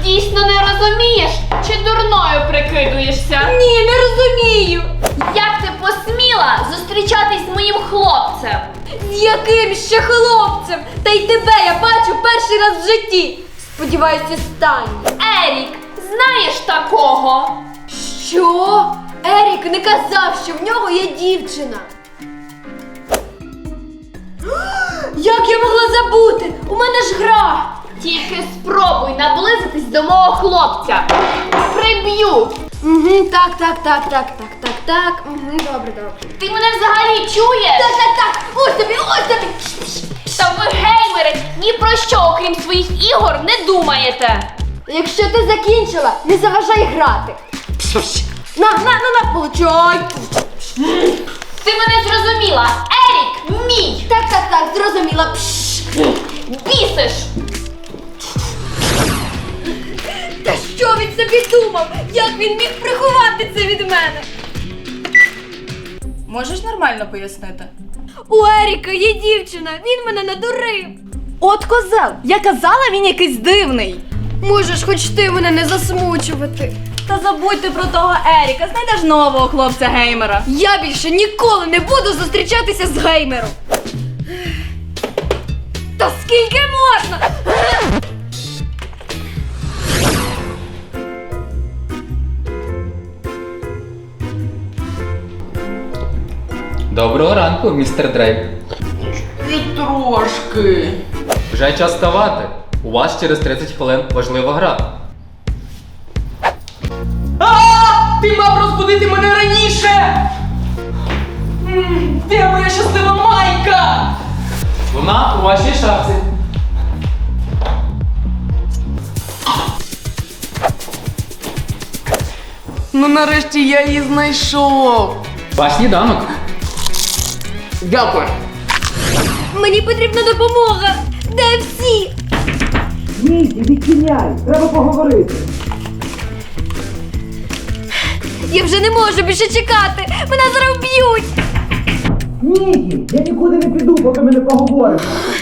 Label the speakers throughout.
Speaker 1: дійсно не розумієш, чи дурною прикидуєшся?
Speaker 2: Ні, не розумію.
Speaker 1: Як ти посміла зустрічатись з моїм хлопцем?
Speaker 2: З яким ще хлопцем? Та й тебе я бачу перший раз в житті. Сподіваюся, останній.
Speaker 1: Ерік, знаєш такого?
Speaker 2: Що? Ерік не казав, що в нього є дівчина. Як я могла забути? У мене ж гра.
Speaker 1: Тільки спробуй наблизитись до мого хлопця. Приб'ю.
Speaker 2: Так. Добре.
Speaker 1: Ти мене взагалі чуєш?
Speaker 2: Так. Ось тобі.
Speaker 1: Та ви, геймери, ні про що, окрім своїх ігор, не думаєте.
Speaker 2: Якщо ти закінчила, не заважай грати. На, получай.
Speaker 1: Ти мене зрозуміла. Ерік мій.
Speaker 2: Так, зрозуміла.
Speaker 1: Бісиш.
Speaker 2: Та що він собі думав? Як він міг приховати це від мене?
Speaker 3: Можеш нормально пояснити?
Speaker 2: У Еріка є дівчина, він мене надурив.
Speaker 3: От козел! Я казала, він якийсь дивний.
Speaker 2: Можеш хоч ти мене не засмучувати.
Speaker 3: Та забудьте про того Еріка, знайдеш нового хлопця-геймера.
Speaker 2: Я більше ніколи не буду зустрічатися з геймером. Та скільки можна?
Speaker 4: Доброго ранку, містер Дрейк.
Speaker 5: І трошки.
Speaker 4: Вже час вставати. У вас через 30 хвилин важлива гра.
Speaker 5: Ти мав розбудити мене раніше! Де моя щаслива майка?
Speaker 4: Вона у вашій шапці.
Speaker 5: Ну нарешті я її знайшов.
Speaker 4: Ваш сніданок.
Speaker 5: Дякую.
Speaker 2: Мені потрібна допомога. Де всі?
Speaker 5: Нікі, відчиняй, треба поговорити.
Speaker 2: Я вже не можу більше чекати. Мене зараз вб'ють.
Speaker 5: Нікі, я нікуди не піду, поки ми не поговоримо.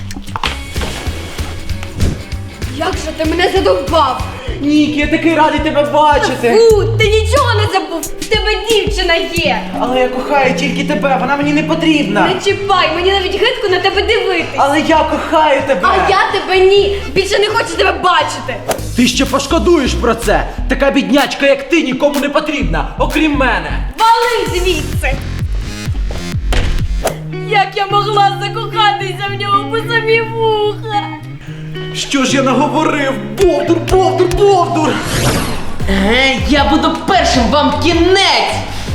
Speaker 2: Як же ти мене задовбав?
Speaker 5: Нікі, я такий радий тебе бачити.
Speaker 2: Фу, ти нічого не забув. В тебе дівчина є.
Speaker 5: Але я кохаю тільки тебе, вона мені не потрібна.
Speaker 2: Не чіпай, мені навіть гидко на тебе дивитись.
Speaker 5: Але я кохаю тебе.
Speaker 2: А я тебе ні. Більше не хочу тебе бачити.
Speaker 5: Ти ще пошкодуєш про це. Така біднячка, як ти, нікому не потрібна, окрім мене.
Speaker 2: Вали звідси. Як я могла закохатися в нього по самі вуха?
Speaker 5: Що ж я наговорив? Бовдур! Я буду першим, вам кінець!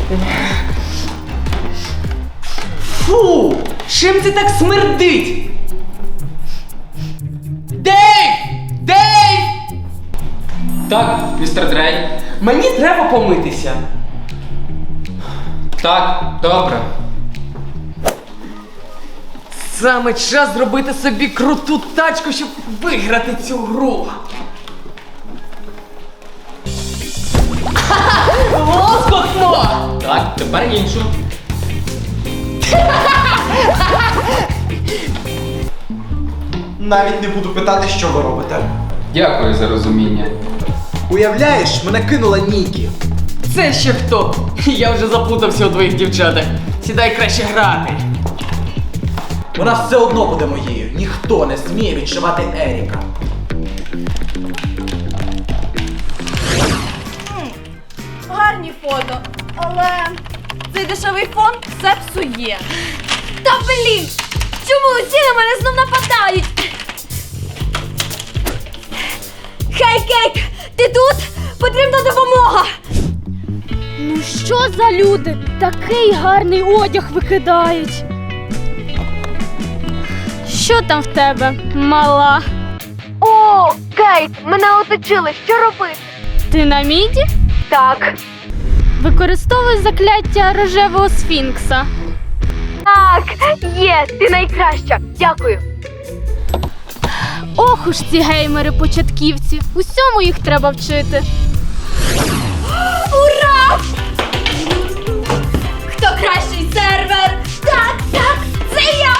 Speaker 5: Фу! Чим це так смердить? Дейв!
Speaker 4: Так, містер Дрейк.
Speaker 5: Мені треба помитися.
Speaker 4: Так, добре.
Speaker 5: Саме час зробити собі круту тачку, щоб виграти цю гру. Лоскотно!
Speaker 4: Так, тепер іншу.
Speaker 6: Навіть не буду питати, що ви робите.
Speaker 4: Дякую за розуміння.
Speaker 6: Уявляєш, мене кинула Нікі.
Speaker 5: Це ще хто? Я вже заплутався у твоїх дівчатах. Сідай краще грати.
Speaker 6: Вона все одно буде моєю. Ніхто не сміє відшивати Еріка.
Speaker 3: Гарні фото, але цей дешевий фон все псує.
Speaker 2: Та блін! Чому усі на мене знов нападають? Хей, Кейт! Ти тут? Потрібна допомога!
Speaker 7: Ну що за люди? Такий гарний одяг викидають. Що там в тебе, мала?
Speaker 2: О, Кейт, мене оточили. Що робити?
Speaker 7: Ти на міді?
Speaker 2: Так.
Speaker 7: Використовуй закляття рожевого сфінкса.
Speaker 2: Так, є, ти найкраща. Дякую.
Speaker 7: Ох уж ці геймери-початківці. Усьому їх треба вчити.
Speaker 2: Ура! Хто кращий сервер? Так, це я!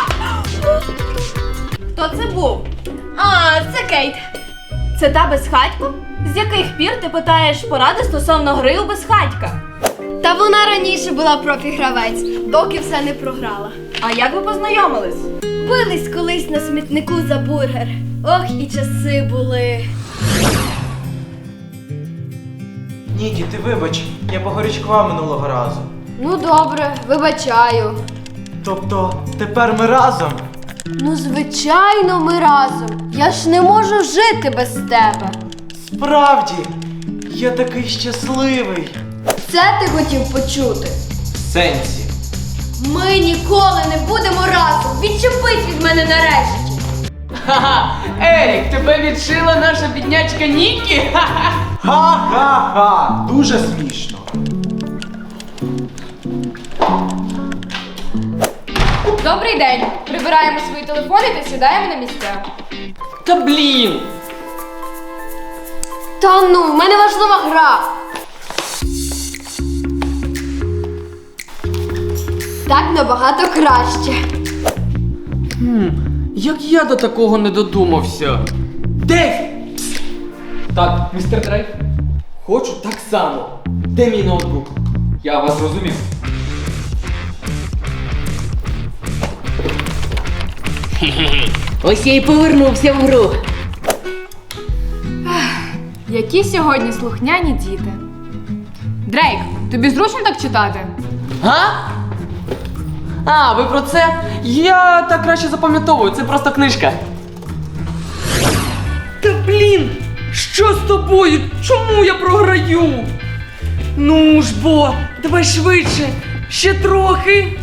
Speaker 3: Хто це був? А, це Кейт. Це та безхатько? З яких пір ти питаєш поради стосовно гри у безхатька?
Speaker 2: Та вона раніше була профі-гравець, доки все не програла.
Speaker 3: А як ви познайомились?
Speaker 2: Бились колись на смітнику за бургер. Ох, і часи були.
Speaker 6: Нікі, ти вибач, я погорячкував минулого разу.
Speaker 2: Ну добре, вибачаю.
Speaker 6: Тобто, тепер ми разом?
Speaker 2: Ну, звичайно, ми разом. Я ж не можу жити без тебе.
Speaker 6: Справді, я такий щасливий.
Speaker 2: Це ти хотів почути?
Speaker 6: В сенсі.
Speaker 2: Ми ніколи не будемо разом. Відчепись від мене нарешті.
Speaker 8: Ха-ха! Ерік, тебе відшила наша біднячка Нікі? Ха-ха!
Speaker 6: Ха-ха-ха! Дуже смішно.
Speaker 1: Добрий день. Прибираємо свої телефони та сідаємо на місця.
Speaker 8: Та блін!
Speaker 2: Та ну, в мене важлива гра. Так набагато краще.
Speaker 8: Як я до такого не додумався?
Speaker 6: Дейв!
Speaker 4: Так, містер Дрейк,
Speaker 8: Хочу так само. Де мій ноутбук?
Speaker 4: я вас зрозумів.
Speaker 8: Ось я і повернувся в гру.
Speaker 1: Які сьогодні слухняні діти. Дрейк, тобі зручно так читати?
Speaker 8: Га? А, ви про це? Я так краще запам'ятовую, це просто книжка. Та блін! Що з тобою? Чому я програю? Ну ж бо, давай швидше, ще трохи.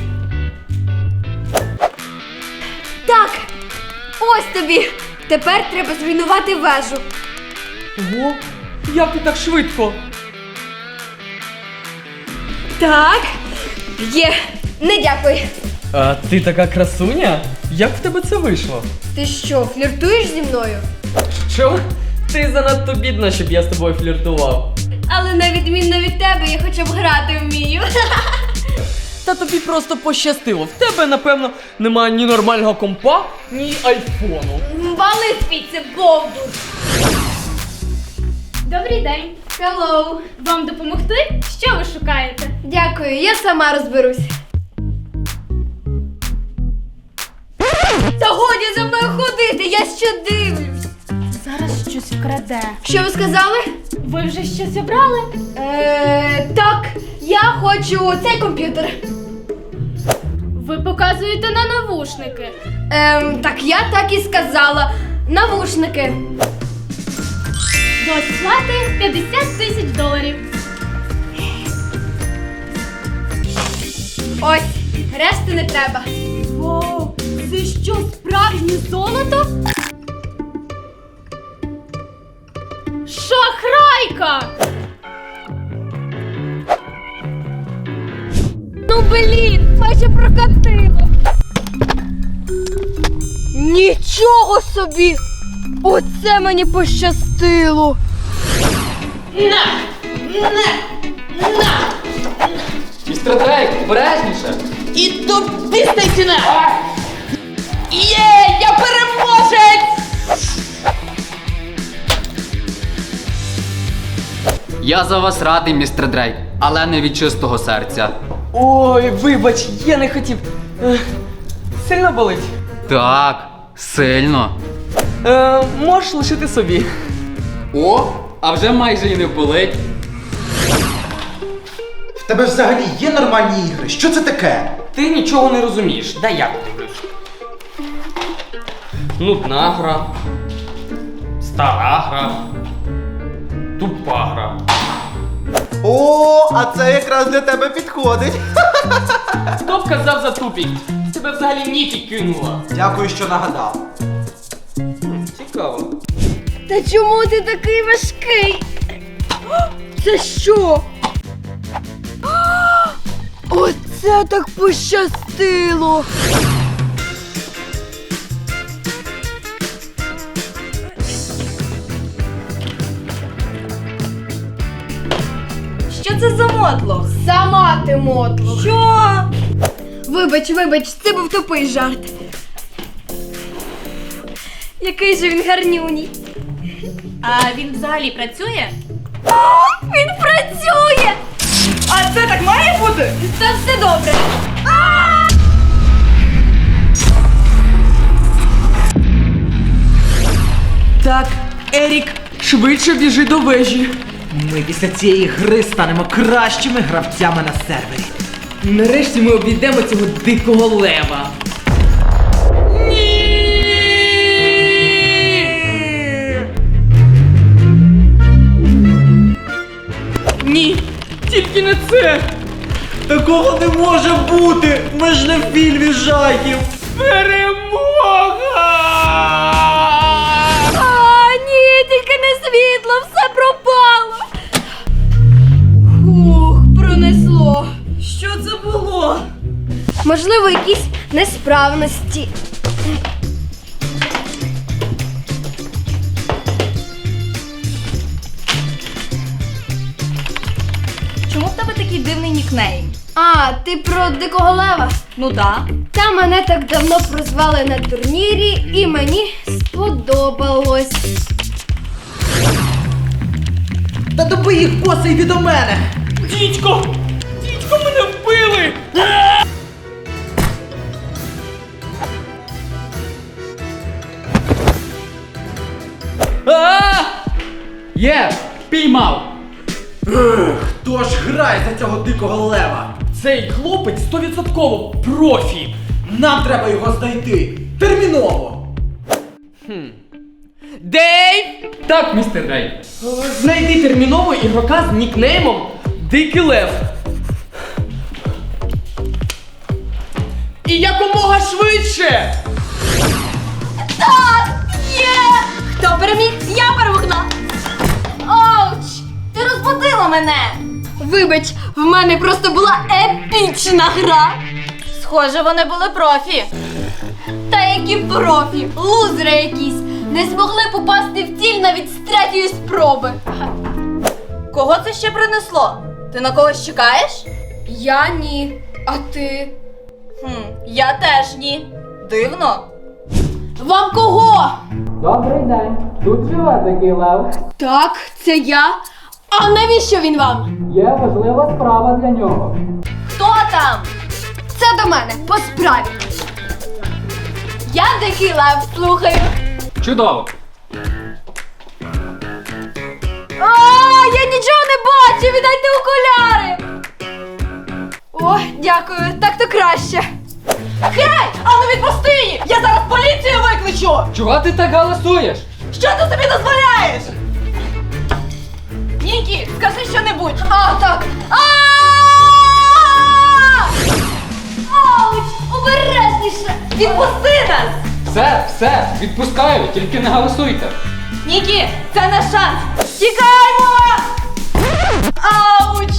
Speaker 2: Так, ось тобі. Тепер треба зруйнувати вежу.
Speaker 8: Ого, як ти так швидко?
Speaker 2: Так, є. Не дякую.
Speaker 8: А ти така красуня? Як в тебе це вийшло?
Speaker 2: Ти що, фліртуєш зі мною?
Speaker 8: Що? Ти занадто бідна, щоб я з тобою фліртував.
Speaker 2: Але на відмінно від тебе я хоча б грати вмію.
Speaker 8: Та тобі просто пощастило. В тебе, напевно, немає ні нормального компа, ні айфону.
Speaker 2: Вали звідси, бовдур.
Speaker 1: Добрий день.
Speaker 2: Hello.
Speaker 1: Вам допомогти? Що ви шукаєте?
Speaker 2: Дякую, я сама розберусь. Та годі за мною ходити, я ще дивлюсь.
Speaker 7: Зараз щось вкраде.
Speaker 2: Що ви сказали?
Speaker 7: Ви вже щось обрали?
Speaker 2: Так, я хочу цей комп'ютер.
Speaker 7: Ви показуєте на навушники.
Speaker 2: Так я так і сказала. Навушники.
Speaker 7: До сплати $50 000.
Speaker 2: Ось, решти не треба.
Speaker 7: Вау, це що, справжнє золото? Шахрайка!
Speaker 2: Ну блін, майже прокатило. Нічого собі! Оце мені пощастило.
Speaker 4: Містер Дрейк, обережніше!
Speaker 8: І тобі стайціна! Є, я переможець!
Speaker 4: Я за вас радий, містер Дрейк, але не від чистого серця.
Speaker 8: Ой, вибач, я не хотів. Сильно болить?
Speaker 4: Так, сильно.
Speaker 8: Можеш лишити собі.
Speaker 4: О, а вже майже і не болить.
Speaker 6: В тебе взагалі є нормальні ігри? Що це таке?
Speaker 8: Ти нічого не розумієш. Дай я подивлюсь. Нудна гра. Стара гра. Тупа гра.
Speaker 6: О, а це якраз для тебе підходить.
Speaker 8: Хто б казав за тупік? Тебе взагалі Нікі кинула.
Speaker 6: Дякую, що нагадав.
Speaker 8: Цікаво.
Speaker 2: Та чому ти такий важкий? Це що? Оце так пощастило.
Speaker 3: Що це за мотлох?
Speaker 2: Сама ти мотлох.
Speaker 3: Що?
Speaker 2: Вибач, це був тупий жарт. Який же він гарнюній.
Speaker 3: А він взагалі працює?
Speaker 2: Він працює!
Speaker 3: А це так має бути?
Speaker 2: Та все добре.
Speaker 8: Так, Ерік, швидше біжи до вежі.
Speaker 5: Ми після цієї гри станемо кращими гравцями на сервері.
Speaker 8: Нарешті ми обійдемо цього дикого лева. Ні, тільки не це.
Speaker 5: Такого не може бути! Ми ж не в фільмі жахів!
Speaker 8: Перемога!
Speaker 2: А, ні, тільки не світло, все пропало. Ух, пронесло.
Speaker 3: Що це було?
Speaker 2: Можливо, якісь несправності.
Speaker 3: Чому в тебе такий дивний нікнейм?
Speaker 2: А, ти про дикого лева?
Speaker 3: Ну да.
Speaker 2: Та мене так давно прозвали на турнірі, і мені сподобалось.
Speaker 5: Та доби їх коси йди до мене!
Speaker 8: Дідько! Дідько, мене вбили!
Speaker 4: Є! Піймав!
Speaker 5: Хто ж грає за цього дикого лева?
Speaker 8: Цей хлопець 100% профі!
Speaker 5: Нам треба його знайти! Терміново!
Speaker 8: Дейв!
Speaker 4: Так, містер Дрей.
Speaker 8: Знайди терміново ігрока з нікнеймом Дикий Лев. І якомога швидше!
Speaker 2: Хто переміг? Я перемогла.
Speaker 3: Оуч! Ти розбудила мене!
Speaker 2: Вибач, в мене просто була епічна гра.
Speaker 3: Схоже, вони були профі.
Speaker 2: Та які профі, лузери якісь. Не змогли попасти в ціль навіть з третьої спроби.
Speaker 3: Кого це ще принесло? Ти на когось чекаєш?
Speaker 2: Я ні. А ти?
Speaker 3: Я теж ні. Дивно.
Speaker 2: Вам кого?
Speaker 4: Добрий день. Тут живе дикий лев.
Speaker 2: Так, це я. А навіщо він вам?
Speaker 4: Є важлива справа для нього.
Speaker 3: Хто там?
Speaker 2: Це до мене, по справі. Я дикий лев, слухаю.
Speaker 4: Чудово.
Speaker 2: А, я нічого не бачу, віддайте окуляри. О, дякую, так то краще.
Speaker 3: Гей! Ану відпусти її! Я зараз поліцію викличу!
Speaker 4: Чого ти так галасуєш?
Speaker 3: Що ти собі дозволяєш? Нікі, скажи що-небудь.
Speaker 2: А, так. Ауч, обережніше.
Speaker 3: Відпусти нас!
Speaker 4: Все, відпускаю, тільки не галасуйте.
Speaker 3: Нікі, це наш шанс! Тікаємо! Ауч!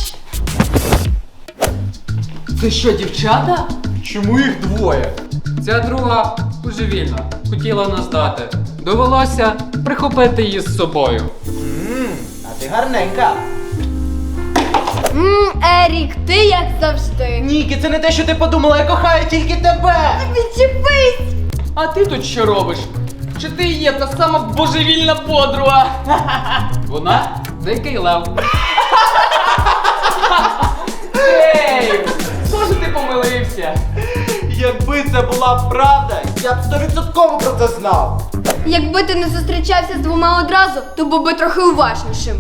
Speaker 8: Це що, дівчата?
Speaker 5: Чому їх двоє?
Speaker 4: Ця друга божевільна. Хотіла нас дати. Довелося прихопити її з собою.
Speaker 6: А ти гарненька.
Speaker 2: Ерік, ти як завжди.
Speaker 5: Нікі, це не те, що ти подумала, я кохаю тільки тебе!
Speaker 2: Відчепись.
Speaker 8: А ти тут що робиш? Чи ти є та сама божевільна подруга?
Speaker 4: Вона дикий лев.
Speaker 8: Ей! Схоже, ти помилився.
Speaker 6: Якби це була правда, я б 100% про це знав.
Speaker 2: Якби ти не зустрічався з двома одразу, то був би трохи уважнішим.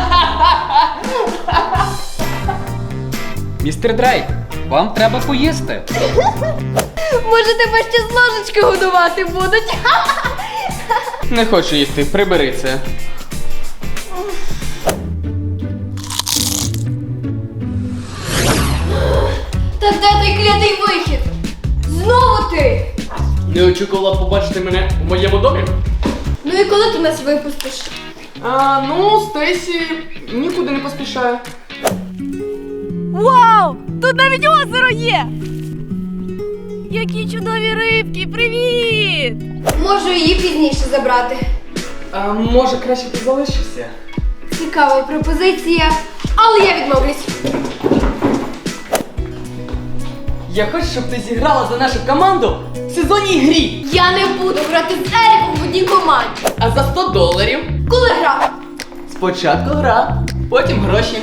Speaker 4: Містер Дрей, вам треба поїсти.
Speaker 2: Може, тебе ще з ложечки годувати будуть?
Speaker 8: Не хочу їсти, прибери це.
Speaker 2: Та де той клятий вихід? Знову ти!
Speaker 8: Не очікувала побачити мене у моєму домі?
Speaker 2: Ну і коли ти нас випустиш?
Speaker 8: Ну, Стесі нікуди не поспішає.
Speaker 3: Вау! Тут навіть озеро є! Які чудові рибки! Привіт!
Speaker 2: Можу її пізніше забрати.
Speaker 8: А може краще ти залишишся?
Speaker 2: Цікава пропозиція, але я відмовлюсь.
Speaker 8: Я хочу, щоб ти зіграла за нашу команду в сезонній грі.
Speaker 2: Я не буду грати з Еріком в одній команді.
Speaker 8: А за $100
Speaker 2: Коли гра?
Speaker 8: Спочатку гра, потім гроші.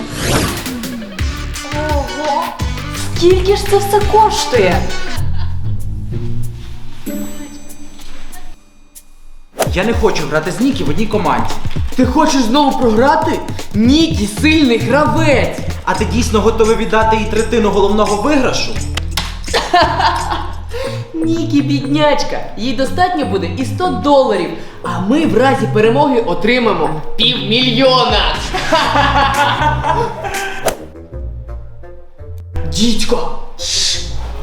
Speaker 2: Ого. Скільки ж це все коштує?
Speaker 6: Я не хочу грати з Нікі в одній команді.
Speaker 8: Ти хочеш знову програти? Нікі сильний гравець.
Speaker 6: А ти дійсно готовий віддати їй третину головного виграшу?
Speaker 8: Нікі біднячка, їй достатньо буде і $100, а ми в разі перемоги отримаємо $500 000. Дідько! Шш.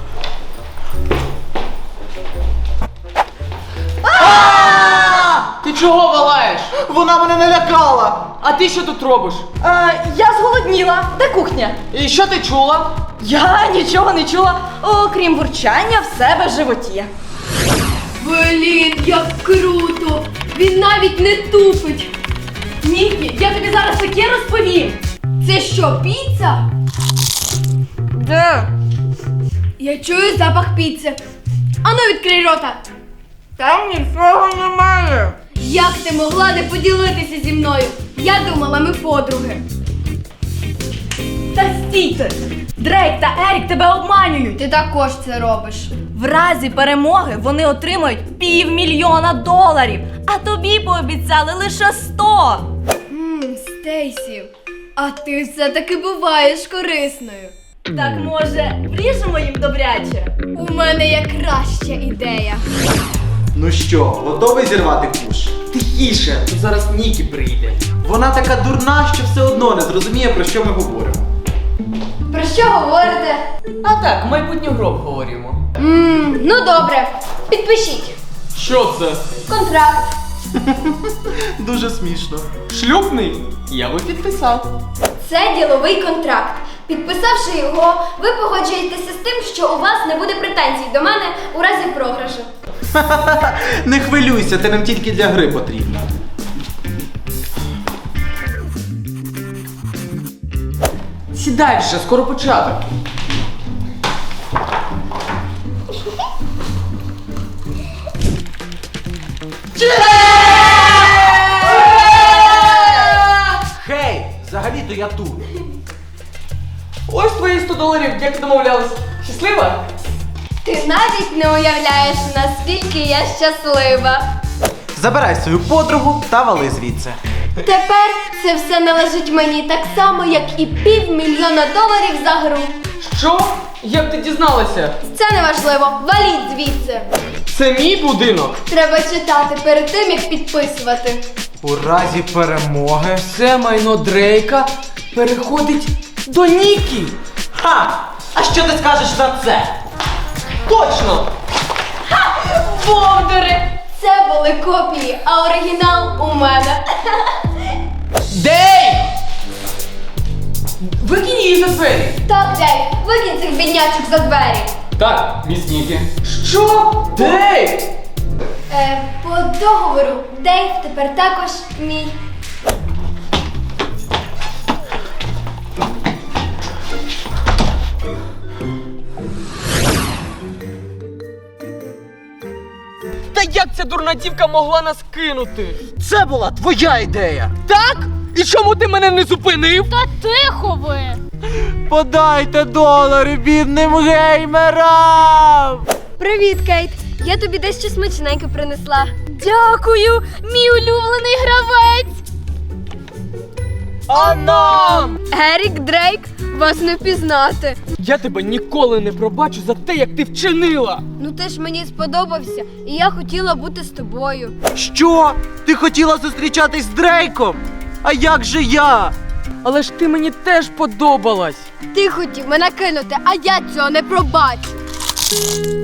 Speaker 8: Ти чого валаєш?
Speaker 6: Вона мене налякала!
Speaker 8: А ти що тут робиш?
Speaker 2: Я зголодніла. Де кухня?
Speaker 8: І що ти чула?
Speaker 2: Я нічого не чула, окрім бурчання в себе в животі.
Speaker 3: Блін, як круто! Він навіть не тупить. Нікі, я тобі зараз таке розповім. Це що, піца?
Speaker 2: Де?
Speaker 3: Я чую запах піци. Ану, відкрий рота.
Speaker 2: Там нічого немає.
Speaker 3: Як ти могла не поділитися зі мною? Я думала, ми подруги.
Speaker 2: Та стійте! Дрейк та Ерік тебе обманюють.
Speaker 3: Ти також це робиш.
Speaker 2: В разі перемоги вони отримають $500 000, а тобі пообіцяли лише 100.
Speaker 3: Стейсі, а ти все-таки буваєш корисною.
Speaker 2: Так може, вріжемо їм добряче?
Speaker 3: У мене є краща ідея.
Speaker 6: Ну що, готовий зірвати куш?
Speaker 8: Тихіше, тут зараз Нікі прийде.
Speaker 6: Вона така дурна, що все одно не зрозуміє, про що ми говоримо.
Speaker 3: Про що говорите?
Speaker 8: А так, майбутню гру обговорюємо.
Speaker 3: Ну добре, підпишіть.
Speaker 4: Що це?
Speaker 3: Контракт.
Speaker 6: Дуже смішно.
Speaker 4: Шлюбний? Я би підписав.
Speaker 3: Це діловий контракт. Підписавши його, ви погоджуєтеся з тим, що у вас не буде претензій до мене у разі програшу.
Speaker 6: Не хвилюйся, ти нам тільки для гри потрібна.
Speaker 8: Сідай вже, скоро початок.
Speaker 6: Хей, взагалі-то я тут.
Speaker 8: Ось твої $100, як домовлялись. Щаслива?
Speaker 3: Ти навіть не уявляєш, наскільки я щаслива.
Speaker 6: Забирай свою подругу та вали звідси.
Speaker 3: Тепер це все належить мені так само, як і $500 000 за гру.
Speaker 8: Що? Як ти дізналася?
Speaker 3: Це не важливо. Валіть звідси.
Speaker 8: Це мій будинок.
Speaker 3: Треба читати перед тим, як підписувати.
Speaker 6: У разі перемоги.
Speaker 8: Все майно Дрейка переходить до Нікі.
Speaker 6: Ха! А що ти скажеш на це?
Speaker 8: Точно!
Speaker 3: Бовдури! Це були копії, а оригінал у мене.
Speaker 8: Дейв! Викинь її за двері.
Speaker 3: Так, Дейв, викинь цих біднячок за двері.
Speaker 4: Так, міс Нікі.
Speaker 8: Що? Дейв!
Speaker 3: По договору, Дейв тепер також мій.
Speaker 8: Та як ця дурна дівка могла нас кинути?
Speaker 6: Це була твоя ідея!
Speaker 8: Так? І чому ти мене не зупинив?
Speaker 7: Та тихо ви!
Speaker 6: Подайте $, бідним геймерам!
Speaker 3: Привіт, Кейт. Я тобі дещо смачненьке принесла.
Speaker 7: Дякую, мій улюблений гравець!
Speaker 8: А нам!
Speaker 3: Ерік, Дрейк, вас не впізнати.
Speaker 8: Я тебе ніколи не пробачу за те, як ти вчинила!
Speaker 3: Ну ти ж мені сподобався, і я хотіла бути з тобою.
Speaker 6: Що? Ти хотіла зустрічатись з Дрейком? А як же я?
Speaker 8: Але ж ти мені теж подобалась!
Speaker 3: Ти хотів мене кинути, а я цього не пробачу.